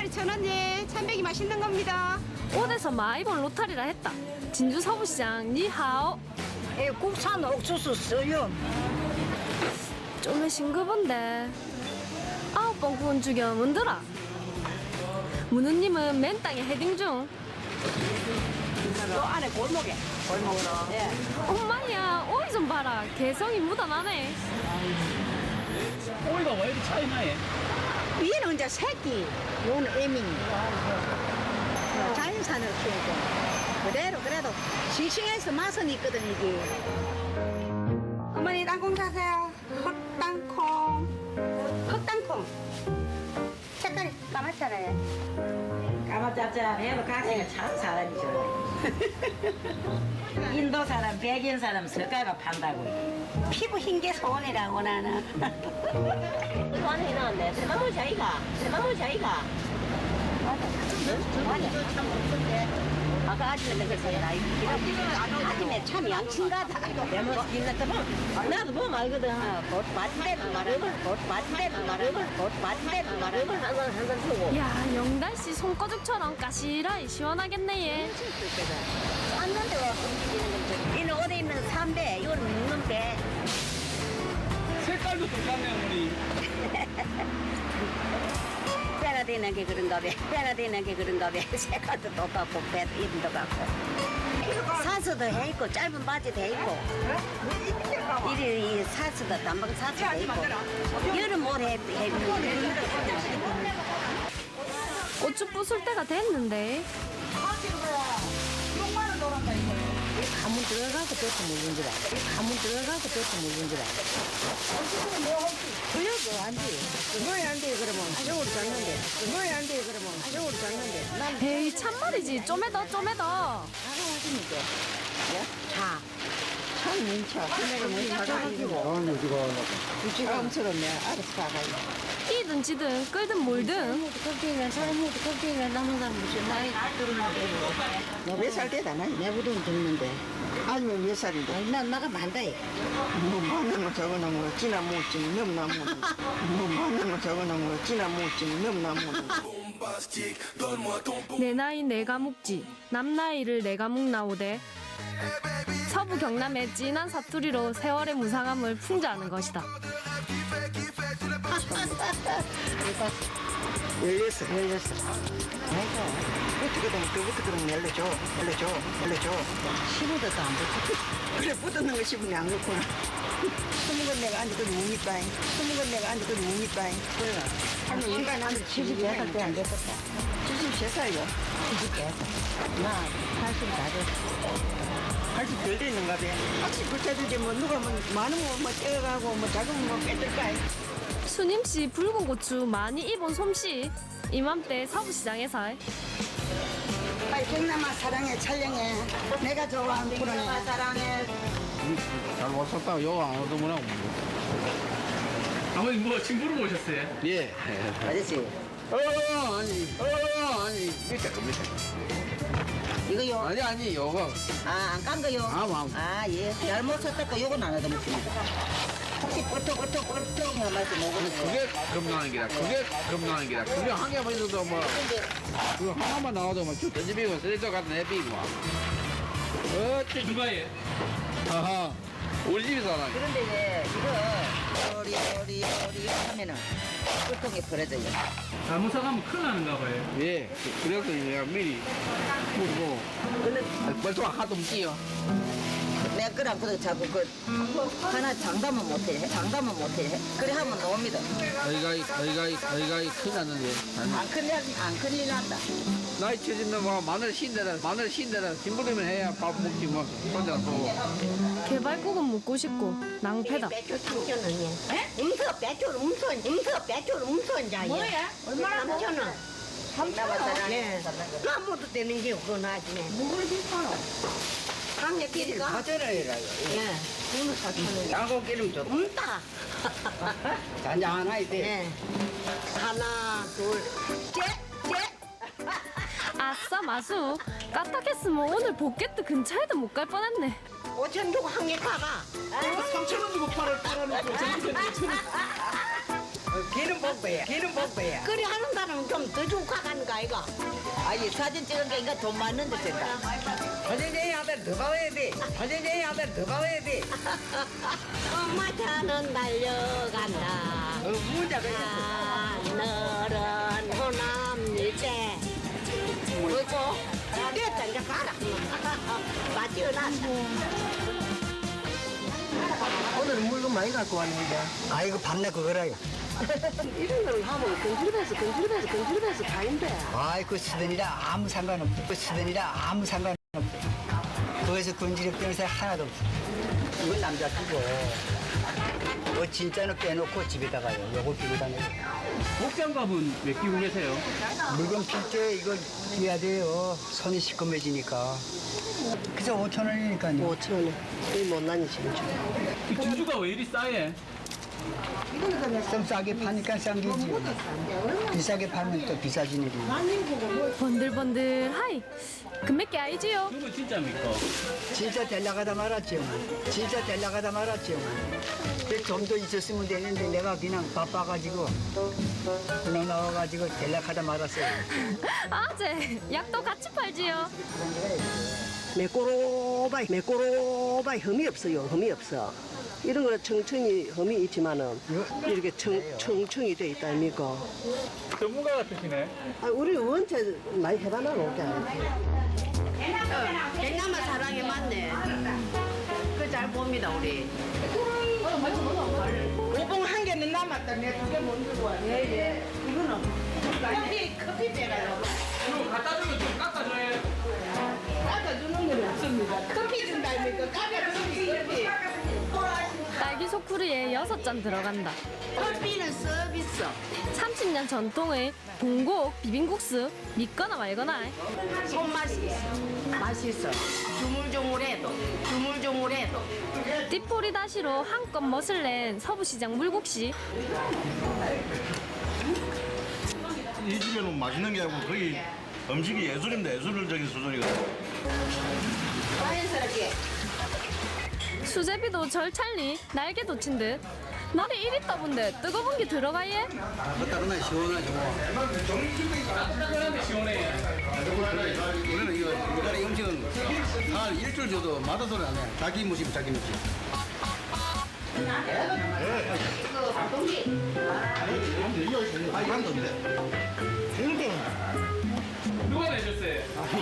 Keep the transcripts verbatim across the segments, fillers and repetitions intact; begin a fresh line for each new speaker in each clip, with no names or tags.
마리 천 원예. 참배기 맛있는 겁니다.
옷에서 많이 본 로타리라 했다. 진주 서부시장 니하오.
예, 국산 옥수수 써요.
좀 싱그본데 아홉 번 구운 죽여 문드라. 문우님은 맨 땅에 헤딩 중.
또 안에 골목에. 골목으로. 예.
엄마야 오이 좀 봐라. 개성이 묻어나네.
오이가 왜 이렇게 차이 나요?
위에는 이제 새끼, 요는 애미. 자연산을 키우고. 그대로 그래도 싱싱해서 맛은 있거든 이게.
어머니 땅콩 사세요. 흑땅콩. 흑땅콩. 색깔이 까맣잖아요.
까마짭짭해도 가생이 참 사람이죠. 인도 사람, 백인 사람 석가가 판다고. 피부 흰 게 소원이라고 나는.
이거 안에 넣었네. 대나무 자기가. 대나무 자기가. 아까 아침에 넣었어요. 아침에 참 양친가다. 내가 있는 나도 보면 알거든. 곧 맞대는 말음을, 곧 맞대는 말음을, 곧 맞대는 말음을 항상 항상 쓰고.
야 영달씨 손거죽처럼 까시라이 시원하겠네 얘.
쌌는데 왜 움직이는 건지. 이는 어디 있는 삼배, 이거는 묵는 배.
색깔도 똑같네 어머니.
배가 되는 게 그런가 봐. 배가 되는 게 그런가 봐. 색깔도 똑같고 배 이름도 같고. 사스도 해 있고 짧은 바지도 해 있고. 이리 이 사스도 단방 사스도 해 있고. 여름 옷 해 해.
고추 부술 때가 됐는데.
가문 들어가고 또 묵은 줄 알아. 가문 들어가고 또 묵은 줄 알아. 그래도 안 돼. 뭐야 안 돼 그러면 저으로 잡는데. 뭐야 안 돼 그러면 저으로 잡는데. 난
에이 참말이지 좀에더 좀에더.
하나하시니까. 자. 참 민쳐. 내가 뭐 사가지고. 부지런스럽네. 알아서 가가지고.
이든 지든 끌든 몰든.
껍데기가 사람이 껍데기가 남은 사람 무슨 나이 들었는데. 너몇살 되다 나? 내보다 듣는데.
아니면 몇 살인데?
난 나가 만다.
뭐 많은 거 적어놓은 거 지나 못지 넘나 못는 뭐 많은 거 적어놓은 거 지나 못지 넘나 못는
내 나이 내가 묵지. 남 나이를 내가 묵나오되. 서부 경남의 진한 사투리로 세월의 무상함을 풍자하는 것이다.
열렸어 열렸어 아이고 어떻게 되면 그부터 그러면 열려줘 열려줘 열려줘
시부도도 안 붙어.
그래 붙었는 거 싶으니 안 그렇구나 스무 건 내가 앉았거든 묵니빠잉 스무 건 내가 앉았거든 묵니빠잉 그래 아니 인간 한
칠십여 살 때 안 됐었다.
칠십세 살이요
칠십여 살. 나 팔십사 岁.
팔십 덜 됐는가 봐 확실히 붙여주지 뭐 누가 뭐 많으면 뭐 떼어가고 뭐 작으면 뭐 뺏을까
수님씨 붉은 고추 많이 입은 솜씨. 이맘때 서부시장에서
빨리 경남아 사랑해 촬영해 내가 좋아하는 프로네 사랑해
잘 왔었다. 요안 오더구나.
아버님 뭐 친구로 오셨어요?
예.
아저씨
어 아니. 어 아니. 밑에 거 밑에.
이거요
아니 아니 요거.
아 안 깐 거요
아, 아.
아예 잘못 쳤다가 요건 안 하다 먹습니다 혹시 끄떡끄떡끄떡 하면서 먹으면
그게 겁나는 기라. 그게 겁나는 기라. 그게 한 개만 있어도 뭐. 그거 하나만 나와도 뭐쭉 던지비고 쓰레기 갖다 내비고. 어째
누가 해?
하하. 우리 집에 살아.
그런데 이제 이거 요리 요리 요리 이렇게 하면은 끄떡이 벌어져요
잘못 사가면 큰일 나는가 봐요.
예. 그래서 내가 미리 묻고. 벌써 하도 없지요.
내가 그랑 그래 자꾸 그 하나 장담은 못해 장담은 못해 그래 하면 나옵니다
저희가 저희가 저희가 큰일 났는데.
안 큰일 안 큰일 난다
나이 쳐진다 뭐 마늘 신대라 마늘 신대라 힘부리면 해야 밥 먹지 뭐 혼자 또.
개발국은 묵고 싶고 낭패다.
배추 삼천 원이야. 음서 배추 음서 음서 배추 음서 자야. 뭐야? 얼마나 삼천 원?
경남아 사랑해
네. 아무도 되는 게 없고 나중에. 뭐를 비싸노? 강력 끼리가?
가져라이라고
예. 그거는 사천 원.
양고 기름 좀
없다.
잔잔하이 돼
예. 하나, 둘, 셋, 셋.
아싸 마수. 까딱했으면 오늘 복개트 근처에도 못 갈 뻔했네.
오천 주고 한 개 가가.
삼천 원 주고 팔을 팔아놓고 저한테는 오천 원.
기름 복배야 기름 복배야
그리 하는 다는 좀 더 주고 가는 거 아이가?
아니 사진 찍은 게 인가 돈 많는데 된다. 사진쟁이 하면 더 가와야 돼. 사진쟁이 하면 더 가와야 돼.
엄마 차는 달려간다.
어, 문자가
하늘은 호남이제 그리고 됐다 이제 가라. 맞지어놨어.
오늘은 물건 많이 갖고 왔는데. 아 이거 밤낮 그거라요.
이런 걸 하면 근질배서 근질배서 근질배서 가인데.
아이 그 쓰더니라 아무 상관없어. 그 쓰더니라 아무 상관없어. 거기서 군지력 변호사 하나도 없어. 이건 남자 끼고. 뭐 진짜는 빼놓고 집에다가요. 요걸 끼고 다녀요.
목장갑은 왜 끼고 계세요?
물건 필 때 이걸 끼야 돼요. 손이 시커매지니까. 그래서 오천 원이니까요.
오천 원에 이 못난이 진짜.
이 진주가 왜 이리 싸해?
좀 싸게 파니까 싼 게지. 비싸게 팔면 또 비싸진 일이.
번들번들 하이. 금맥기 아이지요?
이거 진짜입니까?
진짜 데려가다 말았죠. 진짜 데려가다 말았죠. 좀 더 있었으면 되는데 내가 그냥 바빠가지고 그냥 나와가지고 데려가다 말았어요.
아재 약도 같이 팔지요.
매꼬로바이 매꼬로바이 흠이 없어요. 흠이 없어. 이런 거는 청청이 흠이 있지만은 이렇게 청, 청청이 돼 있다 아닙니까?
전문가 같으시네.
아, 우리 원체 많이 해봐나 놓게
백남아 사랑에 맞네. 그 잘 봅니다 우리.
오봉 한 개는 남았다. 내가 두 개 못 들고 와.
예예. 이거는 커피 커피 배가요.
이거 갖다 주면 좀 깎아줘요.
깎아주는 건 없습니다. 커피 준다 아닙니까? 깎아주는 커피.
딸기 소쿠리에 여섯 잔 들어간다.
커피는 서비스.
삼십 년 전통의 봉곡 비빔국수 믿거나 말거나.
손맛이 있어. 맛있어. 주물주물해도 주물주물해도.
띠포리 다시로 한껏 멋을 낸 서부시장 물국시.
이 집에는 맛있는 게 아니고 거의 음식이 예술입니다. 예술적인 수준이거든요.
자연스럽게.
수제비도 절찰리 날개 돋친 듯. 날이 이리 떠본데 뜨거운 게 들어가예?
따끈하게 시원하죠.
따끈한데 시원해.
우리는 이거 우리나라 음식은 한 일주일 줘도 맛없 소리 안 해. 자기 무심 자기 무심. 아 이거 한 돈데.
누가 내셨어요?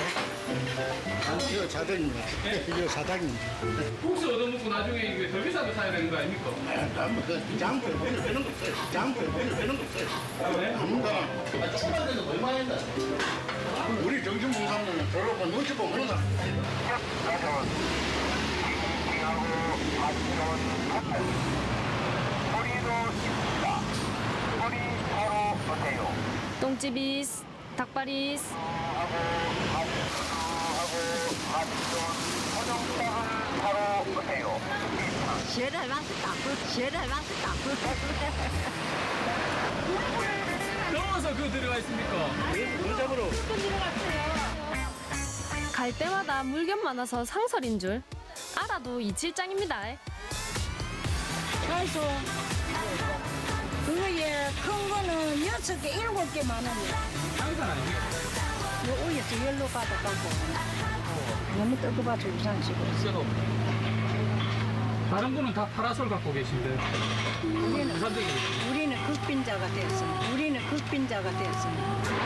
이거 사장입니다. 이거 사장입니다.
국수 얻어먹고 나중에 이게 더 비싼 거 사야 되는 거 아닙니까?
그 장표 오늘 빼는 거 없어요. 장표 오늘 빼는 거 없어요.
네?
아무나 조금만 돼도 얼마 한다. 우리 정신봉사는 저러고 눈치 보면 그런다.
똥집이스, 닭발이스.
제일 맛있다. 제일 맛있다.
넣어서 그거 들어가 있습니까? 문잡으로.
갈 때마다 물견 많아서 상설인 줄. 알아도 이칠장입니다.
그래서 그거에 큰 거는 여섯 개, 일곱 개 많아요.
항상 아닙니까?
요 위에서 열로 가득하고 너무 뜨거워서 우산식으로.
있어도. 다른 분은 다 파라솔 갖고 계신데.
우리는
부산적이
우리는 극빈자가 됐습니다. 우리는 극빈자가 됐습니다.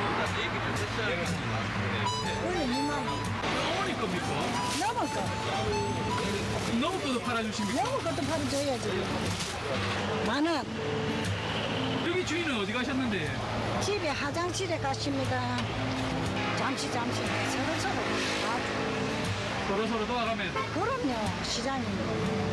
원래 이만 원
어머니 겁니까?
넘을 거,
너무 것도 팔아주십니까?
넘을 것도 바로 줘야지. 만 원.
여기 주인은 어디 가셨는데?
집에 화장실에 가십니다. 잠시 잠시 서로 서로 다
서로 서로 도와가면
그럼요 시장입니다.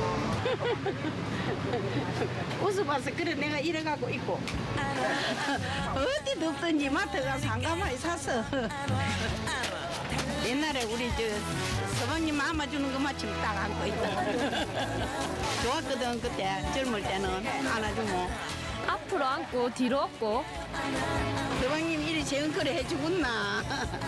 웃어봐서 그래 내가 이래갖고 있고. 어디 덥든지 마트 가서 한가마에 사서. 옛날에 우리 저 서방님 안아주는 거 마침 딱 안고 있다. 좋았거든 그때 젊을 때는 안아주면.
앞으로 안고 뒤로 업고.
서방님 이리 재은거래 해주겠나.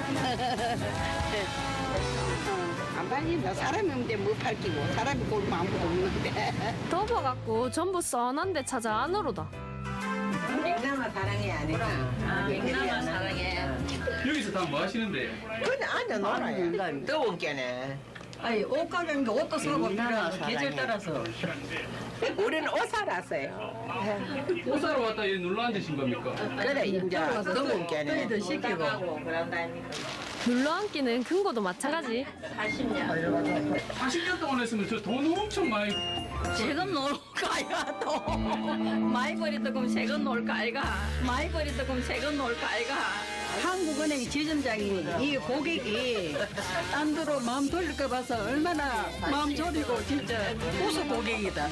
안 팔린다. 사람이 없는데 뭐 팔기고 사람이 골면 아무도 없는데.
덮어갖고 전부 써난데 찾아 안으로다.
백남아 사랑해야
경남아 사랑해.
여기서 다 뭐 하시는데요?
그냥 앉아 놀아요. 더운 게네.
아니 옷 가게인데 옷도 사고 필요하고 계절 따라서.
우리는 옷 사러 왔어요.
옷 사러 왔다 여기 눌러 앉으신 겁니까?
그래 이제 더운 게네.
너희들 시키고.
눌러앉기는 금고도 마찬가지.
사십 년 동안 했으면 저 돈 엄청 많이
세금 놓을까 아이가 또 많이 버렸다 그럼 세금 놓을까 아이가 많이 버렸다 그럼 세금 놓을까 아이가
한국은행 지점장이 이 고객이 딴 데로 마음 돌릴까 봐서 얼마나 마음 졸이고 진짜 고수 고객이다.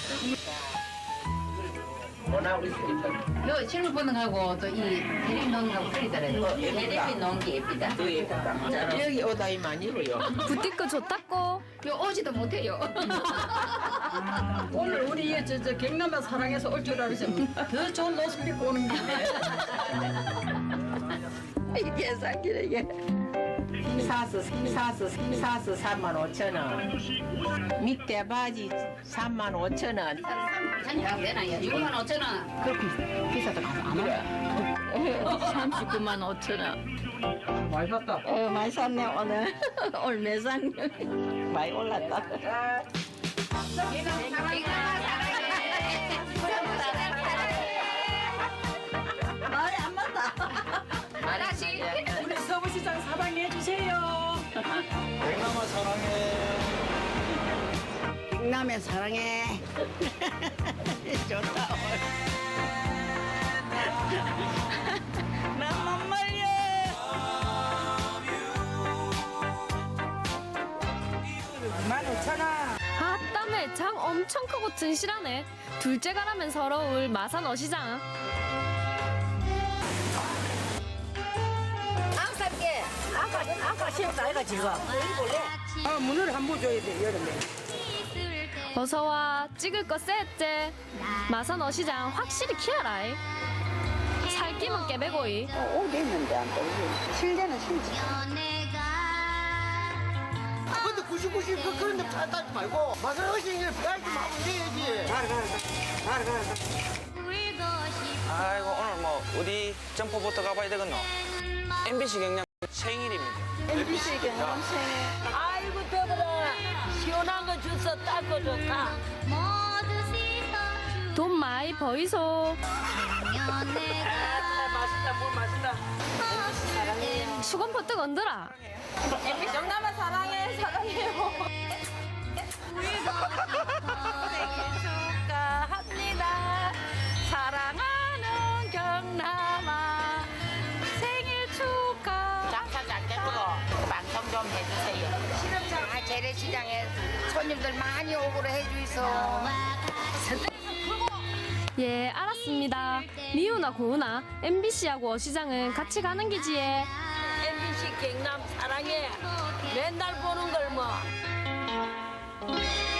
요 실물 보는 거하고 또 이 대립 넣는 거하고 틀리더라고요. 대립이 넣은 게 예쁘다.
여기 옷이 많이 입어요.
부티크 좋다고.
요 오지도 못해요.
오늘 우리 저, 저 경남아 사랑해서 올 줄 알았으면 더 좋은 옷을 입고 오는 건데.
이게 사기네 이게
사서 사서 사서 삼만 오천 원. 밑에 바지 삼만 오천 원.
잔이랑 내놔요. 육만 오천 원.
그렇게 비싸도 가서 안 와요.
삼십구만 오천 원
많이 샀다.
어, 많이 샀네 오늘 오늘 매상 많이 올랐다 말이 안 맞다
말하시.
우리 서부시장 사랑해 주세요.
경남아 사랑해.
경남에 사랑해 좋다 난 못 말려
아, 땀에 장 엄청 크고 튼실하네. 둘째 가라면 서러울 마산 어시장.
아까 아까 시험도 아이가 지금.
아 문을 한번 줘야 돼 여름에.
어서와. 찍을 거 쎄째. 마산 어시장 확실히 키워라이. 살기만 깨배고이.
오게 있는데 안 떠오르. 실내는 실지.
근데 구십구 십 그 그런 데 찾지 말고 마산 어신을 빼지 말고 내야지. 가라 가라 가라 가라.
아이고 오늘 뭐 어디 점포부터 가봐야 되겠노? 엠비씨 경남 생일입니다.
엠비씨 경남 생일
아이고 더불어 시원한 거 주서 닦고 좋다.
돈 많이 버이소.
맛있다 물 맛있다.
수건 퍼뜩 얹더라.
경남아 사랑해 사랑해요.
축하합니다. 사랑하는 경남아 생일 축하.
장사 잘 되도록 방송 좀 해주세요. 실험장 아, 재래시장에 손님들 많이 오고로 해주이소.
예, 알았습니다. 미우나 고우나 엠비씨하고 어시장은 같이 가는 기지에.
엠비씨 경남 사랑해. 맨날 보는 걸 뭐.